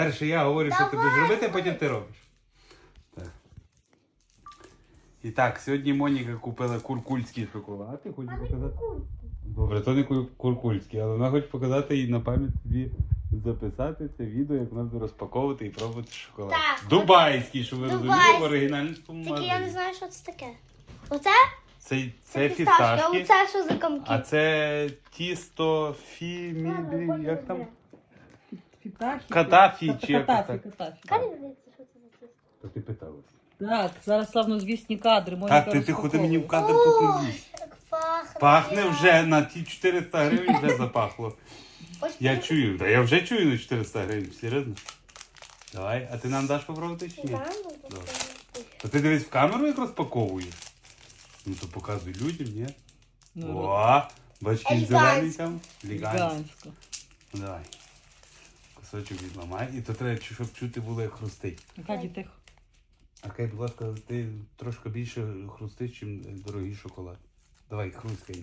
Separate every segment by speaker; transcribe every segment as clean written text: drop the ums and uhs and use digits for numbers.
Speaker 1: Перше я говорю, що ти будеш робити, а потім ти робиш. Так. І так, сьогодні Моніка купила куркульський шоколад. Ти хочеш показати? Добре, то не куркульський, але вона хоче показати і на пам'ять собі записати це відео, як вона буде розпаковувати і пробувати шоколад.
Speaker 2: Так.
Speaker 1: Дубайський, щоб ви розуміли, в оригінальному
Speaker 2: Тільки
Speaker 1: магазині.
Speaker 2: я не знаю, що це таке. Оце?
Speaker 1: Це фісташки,
Speaker 2: Оце що за комки?
Speaker 1: а це тісто як там? Катафі чи якось так.
Speaker 2: Як не здається, що це за тісто?
Speaker 1: То ти питалась.
Speaker 3: Так, зараз славнозвісні кадри. Моніка
Speaker 1: Так, ти ходи мені в
Speaker 3: розпаковує.
Speaker 1: кадр тут не лізь.
Speaker 2: Як пахне.
Speaker 1: Пахне вже на ті 400 гривень вже запахло.
Speaker 2: Ось
Speaker 1: Я
Speaker 2: так.
Speaker 1: чую, та я вже чую на 400 гривень, серйозно. Давай, а ти нам даш попробувати чи ні?
Speaker 2: Да, ну,
Speaker 1: Добре. То ти дивись в камеру, як розпаковуєш? Ну то показуй людям, ні?
Speaker 3: Ну,
Speaker 1: О, бачки
Speaker 2: Елегантсько.
Speaker 1: зелений там. Елегантсько.
Speaker 3: Гігантсько.
Speaker 1: Давай. Кусочок відламай. І то треба, щоб чути було, як хрустить.
Speaker 3: Аркадій, тихо.
Speaker 1: Аркадій, будь ласка, ти трошки більше хрустиш, ніж дорогий шоколад. Давай, хрусткай.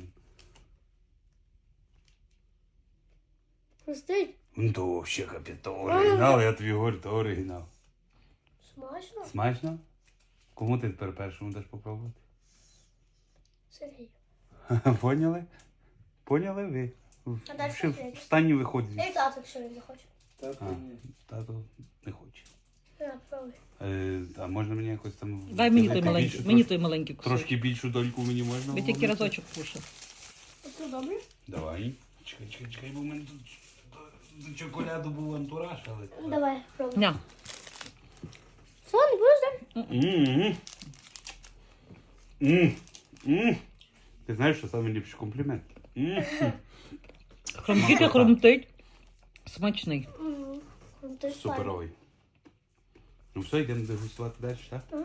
Speaker 2: Хрустить.
Speaker 1: Ну то взагалі капець, то оригінал, я тобі говорю, то оригінал.
Speaker 2: Смачно.
Speaker 1: Смачно? Кому ти тепер першому даш попробувати?
Speaker 2: Сергій.
Speaker 1: Поняли? Поняли ви?
Speaker 2: А далі
Speaker 1: Ще
Speaker 2: Сергій.
Speaker 1: встань і виходь
Speaker 2: І
Speaker 1: звідси.
Speaker 2: тато, якщо він захоче.
Speaker 1: Тато не хоче.
Speaker 2: На, пробуй.
Speaker 1: А можна мені якось там...
Speaker 3: Дай мені той
Speaker 1: велику,
Speaker 3: маленький,
Speaker 1: більшу,
Speaker 3: мені той маленький кусок.
Speaker 1: Трошки більшу дольку мені можна?
Speaker 3: Ви тільки
Speaker 1: вломити?
Speaker 3: разочок кушав.
Speaker 2: Оце добре?
Speaker 1: Давай. Чекай, бо в мене тут до чоколяду був антураж, але...
Speaker 2: Давай, пробуй.
Speaker 3: Ня.
Speaker 2: Що, не будеш, да?
Speaker 1: М-м-м. М-м. Ти знаєш, що найліпший комплімент? М-м.
Speaker 3: Хромтить, а хромтить. Смачний.
Speaker 2: Ти ж файно.
Speaker 1: Суперовий. Ну все, йдемо дегустувати далі, так?
Speaker 2: Ага.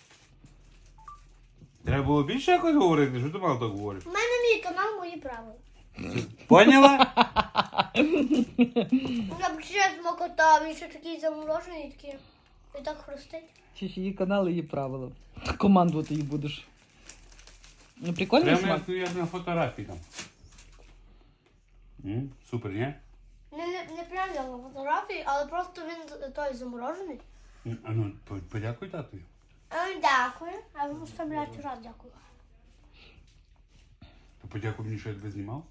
Speaker 1: Треба було більше якось говорити, що ти мало так говориш?
Speaker 2: У мене мій канал, мої правила.
Speaker 1: Поняла?
Speaker 2: Я б ще смакота, він ще такий заморожений, такий. І так хрустить.
Speaker 3: Чи ж її канали, її правила. Командувати її будеш. Ну, прикольний
Speaker 1: Прямо
Speaker 3: смак.
Speaker 1: як на фотографії там. Супер, ні?
Speaker 2: Не прям як на фотографії, але просто він той заморожений.
Speaker 1: А ну, подякуй татою.
Speaker 2: Дякую. А ви можете мляти раз дякую.
Speaker 1: То подякуй мені, що я тебе знімав.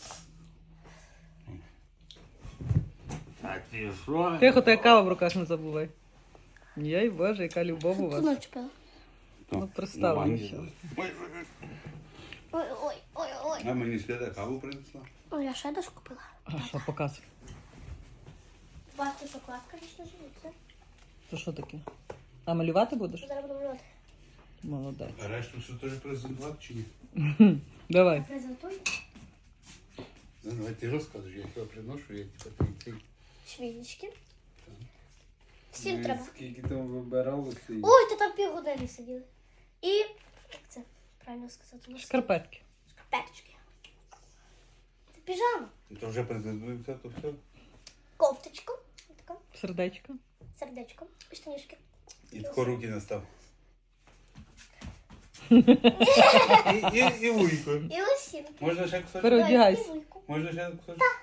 Speaker 1: А ти що?
Speaker 3: Тихо, та кава в руках не забувай. Єй, Боже, яка любов у вас.
Speaker 2: Ночь пила.
Speaker 3: Ну, представлю,
Speaker 1: Нормально.
Speaker 3: що.
Speaker 2: Ой.
Speaker 1: А мені Свята каву принесла.
Speaker 2: Ой, я ще дошку купила.
Speaker 3: А що, показуй.
Speaker 2: Бачите, шоколадка лично живиться.
Speaker 3: Це що таке? А малювати будеш?
Speaker 2: Зараз буду малювати.
Speaker 3: Молодець.
Speaker 1: А решту що теж презентувати чи ні?
Speaker 3: Давай.
Speaker 2: Презентуй.
Speaker 1: Ну, давай ти розкажеш, я тебе приношу, я тебе ти.
Speaker 2: Швінічки. Всім треба.
Speaker 4: Скільки там вибиралося?
Speaker 2: Ой, та там півгодини сиділи. І, як це правильно сказати?
Speaker 3: Шкарпетки.
Speaker 2: Шкарпеточки. Це піжама.
Speaker 1: То вже презентується, то все.
Speaker 2: Кофточка. Така.
Speaker 3: Сердечко.
Speaker 2: Сердечко. І штанішки.
Speaker 1: І тако руки настав. І вуйко.
Speaker 2: І лосінки.
Speaker 1: Можна ще кусочок?
Speaker 3: Переодягайся.
Speaker 2: І вуйку.
Speaker 1: Можна ще кусочок?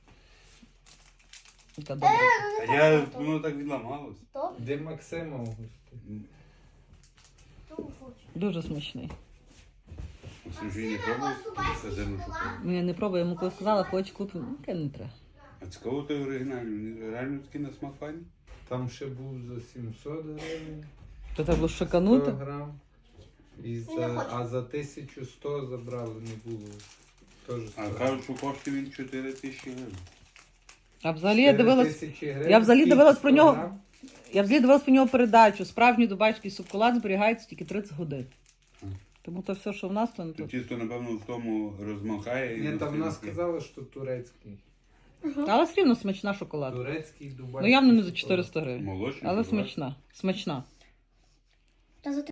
Speaker 3: Яка добра.
Speaker 1: А я, воно так відламалось.
Speaker 2: Добре.
Speaker 4: Де Максима Августа?
Speaker 2: Тому хочу.
Speaker 3: Дуже смачний.
Speaker 1: Максим вже не пробував сазину шоколаду.
Speaker 3: Мене не пробує, йому коли сказала, хоч купив. Ну, яке не треба.
Speaker 1: А цікаво той оригінальний, вони реально такі на смак файні?
Speaker 4: Там ще був за 700 гривень,
Speaker 3: То треба було
Speaker 4: 100
Speaker 3: шиканути.
Speaker 4: грам. І
Speaker 2: Я не хочу.
Speaker 4: а за 1100 забрали, не було. Теж
Speaker 1: А кажуть, що коштує він 4 тисячі гривень.
Speaker 3: А взагалі я дивилась.
Speaker 4: 4000 гривень.
Speaker 3: Я взагалі
Speaker 4: скільки?
Speaker 3: дивилась про
Speaker 4: 100
Speaker 3: нього.
Speaker 4: грам?
Speaker 3: Я взагалі дивилась про нього передачу. Справжній дубайський шоколад зберігається тільки 30 годин. Тому то все, що в нас, то не
Speaker 1: То
Speaker 3: тут.
Speaker 1: тісто, напевно, в тому розмахає.
Speaker 4: Ні, там вона
Speaker 1: настільки-
Speaker 4: сказала, що турецький.
Speaker 3: Але все рівно смачна шоколад.
Speaker 4: Турецький, дубайський.
Speaker 3: Ну явно не за
Speaker 4: шоколад.
Speaker 3: 400 гривень.
Speaker 1: Молочний.
Speaker 3: Але
Speaker 1: шоколад.
Speaker 3: смачна. Смачна.
Speaker 2: Та за